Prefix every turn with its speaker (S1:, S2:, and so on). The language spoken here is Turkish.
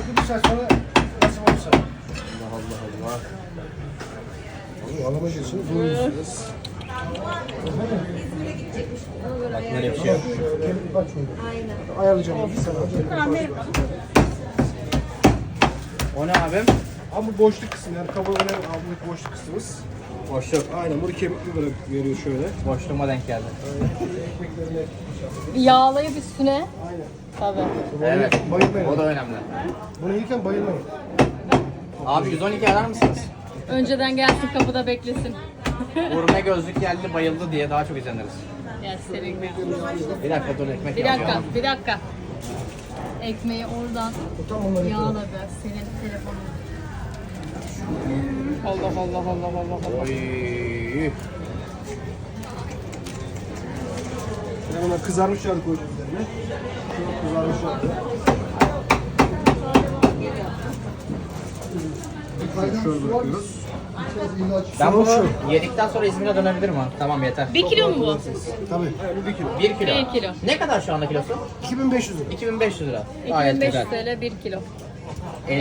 S1: Artık bir saat sonra nasip olursa.
S2: Allah Allah.
S1: Alama geçsin. Buyursunuz.
S2: Bak nereye bir şey yok.
S1: Bak şöyle. Ayarlayacağım. Sana.
S2: O ne abim?
S1: Ama bu boşluk kısmı yani kabuğun altındaki boşluk kısmımız.
S2: Boşluk.
S1: Aynen bunu kemikli böyle veriyor şöyle.
S2: Boşluğuma denk geldi.
S1: Ekmeklerine
S3: Yağlayıp üstüne.
S1: aynen.
S3: Tabii.
S2: Evet.
S1: Bayılmayın.
S2: O da önemli.
S1: Bunu yiyken bayılmayın.
S2: Abi 112 arar mısınız?
S3: Önceden gelsin kapıda beklesin.
S2: Gurme gözlük geldi bayıldı diye daha çok izleniriz.
S3: Ya senin be.
S2: Bir dakika dur ekmek
S3: Bir
S2: yapacağım.
S3: dakika, bir dakika. Ekmeği oradan
S1: Tam onları
S3: yağla biraz senin telefonun.
S2: Allah Allah Allah Allah Allah. Oy.
S1: Şimdi buna kızarmış yağ koyacağız üzerine. Şöyle kızarmış yağ. Şöyle bırakıyoruz.
S2: Ben bunu yedikten sonra İzmir'e dönebilirim ha. Tamam yeter.
S3: 1 kilo mu bu?
S1: Tabii. Yani 1 kilo.
S2: 1 kilo.
S3: 1 kilo.
S2: Ne kadar şu anda kilosu?
S1: 2500 lira.
S2: 2500 lira. Gayet
S3: 2500
S2: güzel.
S3: TL 1 kilo.